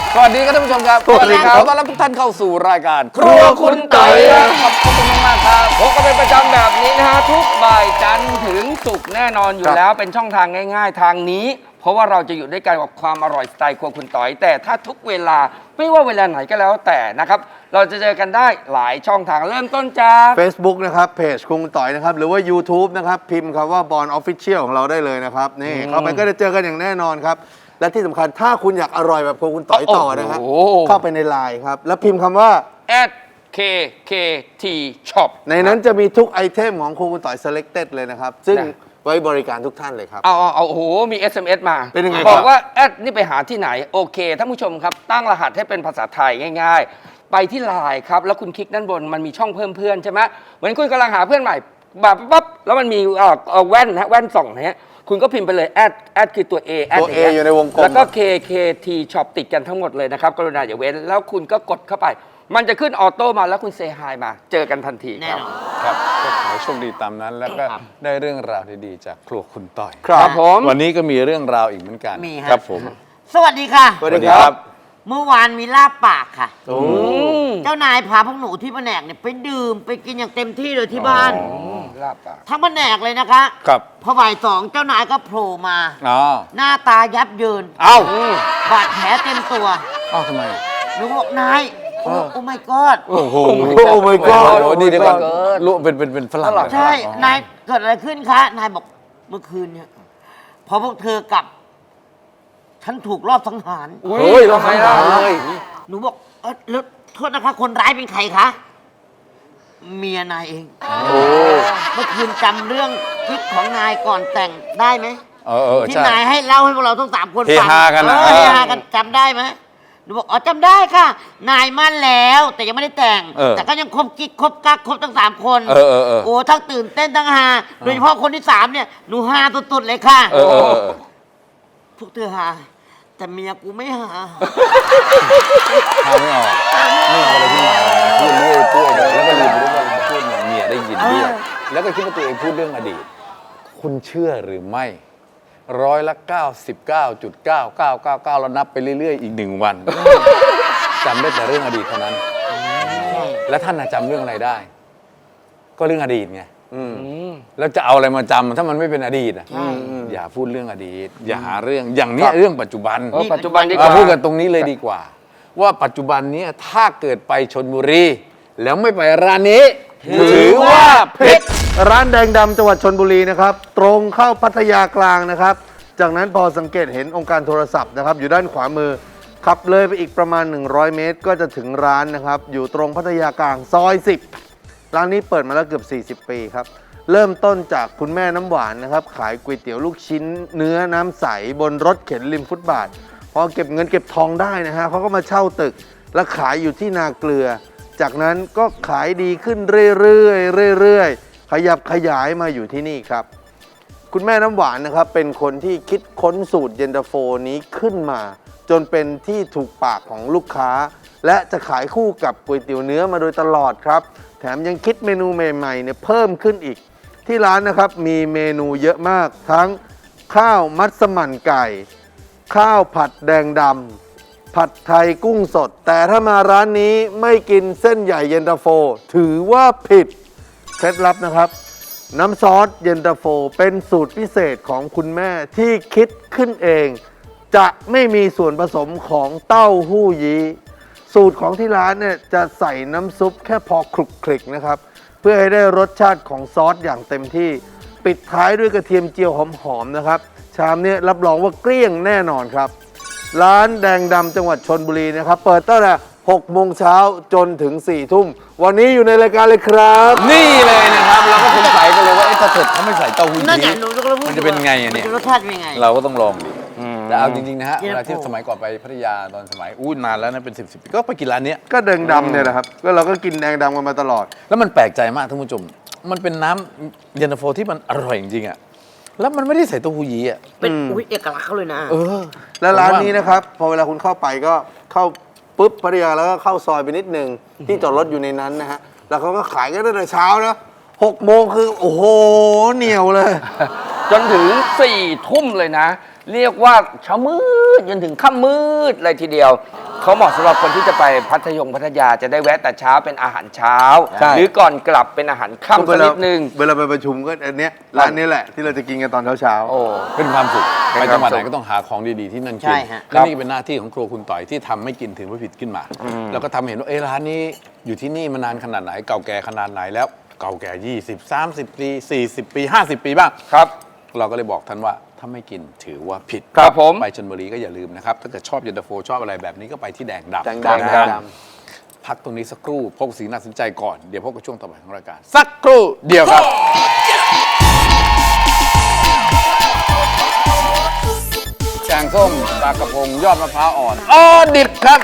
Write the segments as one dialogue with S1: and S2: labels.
S1: สวัสดีครับท่านผู้ชมครับ
S2: สวัสดีครับ
S1: ขอต้อนรับทุกท่านเข้าสู่รายการครัวคุณไต่ขอบคุณมากๆครับพบกันเป็นประจำแบบนี้นะฮะทุกบ่ายจันทร์ถึงศุกร์แน่นอนอยู่แล้วเป็นช่องทางง่ายๆทางนี้ เพราะว่าเราจะอยู่ด้วยกันกับความอร่อยสไตล์ครัวคุณต่อยแต่ถ้าทุกเวลาไม่ว่าเวลาไหนก็แล้วแต่นะครับเราจะเจอกันได้หลายช่องทางเริ่มต้นจาก
S2: Facebook นะครับเพจคุงต่อยนะครับหรือว่า YouTube นะครับพิมพ์คำว่าบอลออฟฟิเชียลของเราได้เลยนะครับนี่เข้าไปก็จะเจอกันอย่างแน่นอนครับและที่สำคัญถ้าคุณอยากอร่อยแบบคุณต่อยต่อนะฮะเข้าไปในไลน์ครับแล้วพิมพ์คำว่า
S1: @KKT Shop
S2: ในนั้นจะมีทุกไอเทมของคุณต่อย selected เลยนะครับซึ่งไว้บริการทุกท่านเลยครับ
S1: เอาโอ้โหมี SMS มา
S2: เป็นยังไง
S1: บอกว่าแอดนี่ไปหาที่ไหนโอเคท่านผู้ชมครับตั้งรหัสให้เป็นภาษาไทยง่ายๆ ไปที่ไลน์ครับแล้วคุณคลิกด้านบนมันมีช่องเพิ่มเพื่อนใช่ไหมเหมือนคุณกำลังหาเพื่อนใหม่แบบปั๊บแล้วมันมีแว่นนะแว่นส่องนะฮะคุณก็พิมพ์ไปเลยแอดคือตัว A
S2: ตัว A อยู่ในวงกลม
S1: แล้วก็ KKT Shop ติดกันทั้งหมดเลยนะครับกรุณาอย่าเว้นแล้วคุณก็กดเข้าไป มันจะขึ้นออโต้มาแล้วคุณเซฮายมาเจอกันทันทีครับ
S3: ครับก็ขอให้โชคดีตามนั้นแล้วก็ได้เรื่องราวดีๆจากครัวคุณต่อย
S1: ครับผม
S3: วันนี้ก็มีเรื่องราวอีกเหมือนกัน
S4: มีฮะ
S3: ครับผม
S4: สวัสดีค่ะ
S2: สวัสดีครับ
S4: เมื่อวานมีลาบปากค่ะ
S2: โอ้
S4: เจ้านายพาพวกหนูที่แผนกเนี่ยไปดื่มไปกินอย่างเต็มที่เลยที่บ้าน
S1: ลาบปาก
S4: ทั้งแผนกเลยนะคะ
S3: ครับ
S4: พอบ่ายสองเจ้านายก็โผล่มา
S3: อ๋อ
S4: หน้าตายับเยิน
S3: เอ้า
S4: บาดแผลเต็มตัว
S3: เอ้าทำไม
S4: หนูบอกนายโอ้ my god
S3: โอ้โห
S2: โอ้ my god
S3: โอ้นี่เดี๋ยวก่อนรู้เป็นฝรั่งเหรอ
S4: ใช่
S3: อ๋อน
S4: ายเกิดอะไรขึ้นคะ นายบอกเมื่อคืนเนี่ยพอพวกเธอกลับ ฉันถูกรอบสังหาร
S1: เฮ้ยเราไม่ได้เลย
S4: หนูบอกแล้วโทษนะคะ คนร้ายเป็นใครคะเมียนายเองเมื่อคืนจำเรื่องคลิปของนายก่อนแต่งได้ไหม ที่
S3: ใช่
S4: นายให้เล่าให้พวกเราทั้ง3 คนฟัง
S3: เฮฮากันนะ
S4: เฮฮากันจำได้ไหมหนูบอกอ๋อจำได้ค่ะ นายมั่นแล้ว แต่ยังไม่ได้แต่ง แต่ก็ยังคบกิ๊กคบกักคบทั้ง3 คน โอ้ทั้งตื่นเต้นทั้งฮาโดยเฉพาะคนที่3เนี่ยหนูฮาสุดๆเลยค่ะ พวกเธอฮาแต่เมียกูไม่หา
S3: หาไม่ออกไม่ออกอะไรที่มาพูดเรื่อยเปื่อยเลยแล้วก็ลืมไปด้วยว่าเราพูดเนี่ยเมียได้ยินด้วยแล้วก็คิดว่าตัวเองพูดเรื่องอดีต คุณเชื่อหรือไม่99.9999แล้วนับไปเรื่อยๆอีก1 วันจำได้แต่เรื่องอดีตเท่านั้น แล้วท่านจำเรื่องอะไรได้ ก็เรื่องอดีตไงแล้วจะเอาอะไรมาจำถ้ามันไม่เป็นอดีตอ่ะอย่าพูดเรื่องอดีต อย่าหาเรื่องอย่างเนี้ยเรื่องปัจจุบัน
S1: ปัจจุบันดีก
S3: เรา
S1: ว่า
S3: พูดกันตรงนี้เลยดีกว่า ว่าปัจจุบันนี้ถ้าเกิดไปชลบุรี แล้วไม่ไปร้านนี้ ถือว่าผิด
S2: ร้านแดงดำจังหวัดชลบุรีนะครับตรงเข้าพัทยากลางนะครับจากนั้นพอสังเกตเห็นองค์การโทรศัพท์นะครับอยู่ด้านขวามือขับเลยไปอีกประมาณ100 เมตร ก็จะถึงร้านนะครับอยู่ตรงพัทยากลางซอย10ร้านนี้เปิดมาแล้วเกือบ40 ปีครับเริ่มต้นจากคุณแม่น้ำหวานนะครับขายก๋วยเตี๋ยวลูกชิ้นเนื้อน้ำใสบนรถเข็นริมฟุตบาทพอเก็บเงินเก็บทองได้นะฮะเขาก็มาเช่าตึกและขายอยู่ที่นาเกลือจากนั้นก็ขายดีขึ้นเรื่อยๆขยับขยายมาอยู่ที่นี่ครับคุณแม่น้ำหวานนะครับเป็นคนที่คิดค้นสูตรเย็นตาโฟนี้ขึ้นมาจนเป็นที่ถูกปากของลูกค้าและจะขายคู่กับก๋วยเตี๋ยวเนื้อมาโดยตลอดครับแถมยังคิดเมนูใหม่ๆเนี่ยเพิ่มขึ้นอีกที่ร้านนะครับมีเมนูเยอะมากทั้งข้าวมัสมั่นไก่ข้าวผัดแดงดำผัดไทยกุ้งสดแต่ถ้ามาร้านนี้ไม่กินเส้นใหญ่เย็นตาโฟถือว่าผิดเคล็ดลับนะครับน้ำซอสเย็นตาโฟเป็นสูตรพิเศษของคุณแม่ที่คิดขึ้นเองจะไม่มีส่วนผสมของเต้าหู้ยี้สูตรของที่ร้านเนี่ยจะใส่น้ำซุปแค่พอคลุกคลิกนะครับเพื่อให้ได้รสชาติของซอสอย่างเต็มที่ปิดท้ายด้วยกระเทียมเจียวหอมๆนะครับชามนี้รับรองว่าเกลี้ยงแน่นอนครับร้านแดงดำจังหวัดชลบุรีนะครับเปิดตั้งแต่6 โมงเช้าจนถึง4 ทุ่มวันนี้อยู่ในรายการเลยครับ
S3: นี่เลยนะครับเราก็สงสัยกันเลยว่าถ้าเกิดเขาไม่ใส่เต้าหู้
S4: นั่นไง
S3: ยี้
S4: หนูก็พูด
S3: มันจะเป็นไงอะเนี่ย
S4: มัรสชาติเป็นไง
S3: เราก็ต้องลองดิแต่เอาจริงๆนะฮะ
S4: เย็น
S3: เว
S4: ตาโฟ
S3: ลาที่สมัยก่อนไปพัทยาตอนสมัยนานแล้วนะเป็น10 ปีก็ไปกินร้านเนี้ย
S2: ก็แดงดำเนี่ยนะครับก็เราก็กินแดงดำกันมาตลอด
S3: แล้วมันแปลกใจมากท่านผู้ชมมันเป็นน้ำเย็นตาโฟที่มันอร่อยจริงๆอ่ะแล้วมันไม่ได้ใส่เต้าหู้ยี้อ่ะ
S4: เป็นอุ๊ยเอกลักษณ์เขาเลยนะ
S2: แล้วร้านนี้นะครับพอเวลาคุณเข้าไปก็เข้าปุ๊บพัทยาแล้วก็เข้าซอยไปนิดนึงที่จอดรถอยู่ในนั้นนะฮะแล้วเขาก็ขายกันตั้งแต่เช้านะ6 โมงคือโอ้โหเหนียวเลย
S1: จนถึง4 ทุ่มเลยนะ เรียกว่าเช้ามืดจนถึงค่ำมืดเลยทีเดียวเขาเหมาะสำหรับคนที่จะไปพัทยาจะได้แวะแต่เช้าเป็นอาหารเช้า
S3: ใช่
S1: หรือก่อนกลับเป็นอาหารค่ำสักนิดนึง
S2: เวลาไปประชุมก็อันเนี้ยร้านนี้แหละที่เราจะกินกันตอนเช้า
S1: โอ้
S3: เป็นความสุข
S1: เป็น
S3: ไป
S1: ความ
S3: จังหวัดไหน
S1: สุข
S3: ก็ต้องหาของดีๆที่นั่น
S4: ใช่
S3: กิน
S4: ฮะ
S3: และนี่เป็นหน้าที่ของครัวคุณต่อยที่ทำให้กินถึงพระผิดขึ้นมา แล้วก็ทำเห็นว่าร้านนี้อยู่ที่นี่มานานขนาดไหนเก่าแก่ขนาดไหนแล้วเก่าแก่20 30 ปี 40 ปี 50 ปีบ้าง
S1: ครับ
S3: เราก็เลยบอกท่านว่าถ้าไม่กินถือว่าผิด
S1: ครับผม
S3: ไปชลบุรีก็อย่าลืมนะครับ ถ้าเกิดชอบเย็นตาโฟชอบอะไรแบบนี้ก็ไปที่แดงดำ
S2: แดงดำ
S3: แดงดำพักตรงนี้สักครู่พบกับสิ่งน่าสนใจก่อน เดี๋ยวพบกับช่วงต่อไปของรายการ สักครู่เดียวครับ แกงส้มปลากระพงยอดมะพร้าวอ่อนดิบครับ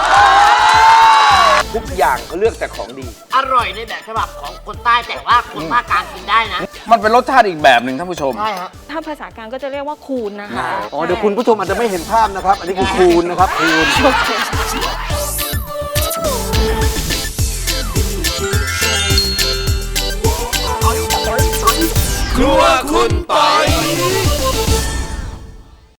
S1: ทุกอย่างเขาเลือกแต่ของดี
S4: อร่อยในแบบฉบับของคนใต้แต่ว่าคนภาคกลางกินได้นะ
S3: มันเป็นรสชาติอีกแบบหนึ่งท่านผู้ชม
S4: ใช่ฮะ
S5: ถ้าภาษากลางก็จะเรียกว่าคูนนะคะ
S2: ๆอ๋อเดี๋ยวคุณผู้ชมอาจจะไม่เห็นภาพนะครับ อันนี้คือคูณนะครับคูณ
S1: ครัวคุณต่อย